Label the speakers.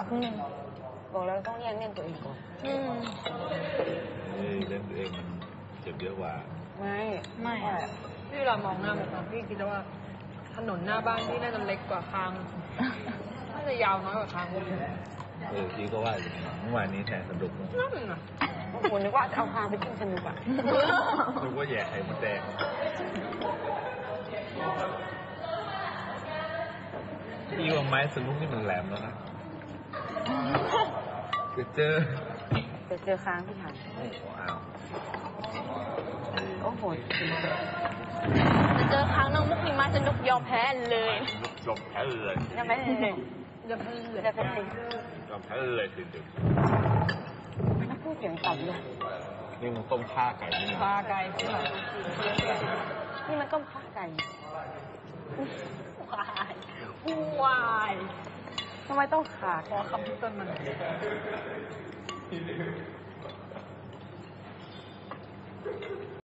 Speaker 1: บอกแล้วต้องแย่งเล่นตัวเองก่อน
Speaker 2: เล่นตัวเองมันเจ็บเยอะกว่า
Speaker 1: ไม่
Speaker 3: พี่เรามองหน้ามันพี่คิดว่าถนนหน้าบ้านพี่น่าจะเล็กกว่าคางน่าจะยาวน้อยกว่าคาง
Speaker 2: พี่ก็ว่าเมื่อวานนี้แทนสนุก
Speaker 3: นั่นน่ะ
Speaker 1: ผมนึกว่าจะเอาคางไปกินสนุกอ่ะ
Speaker 2: นึกว่าแย่ไข่มดแดงพี่ว่าไม้สนุกนี่มันแหลมแล้วนะเจอ
Speaker 1: ค้างที่หันโอ้โห
Speaker 4: จะเจอค้างน้องมุกนี่มาสนุกยอมแพ้เลย
Speaker 2: ยอมแพ้เลย
Speaker 1: ยอมแพ้เลย
Speaker 2: ยอมแพ้เลยจริง
Speaker 1: ๆถ้าพูดเสียงต่ำเลย
Speaker 2: นี่มันต้มข่าไก่นี่
Speaker 3: ปลาไก่ใช่ไหม
Speaker 1: นี่มันต้มข่าไก่
Speaker 3: วาย
Speaker 1: ทำไมต้องขา
Speaker 3: ขอคำที่ต้นมัน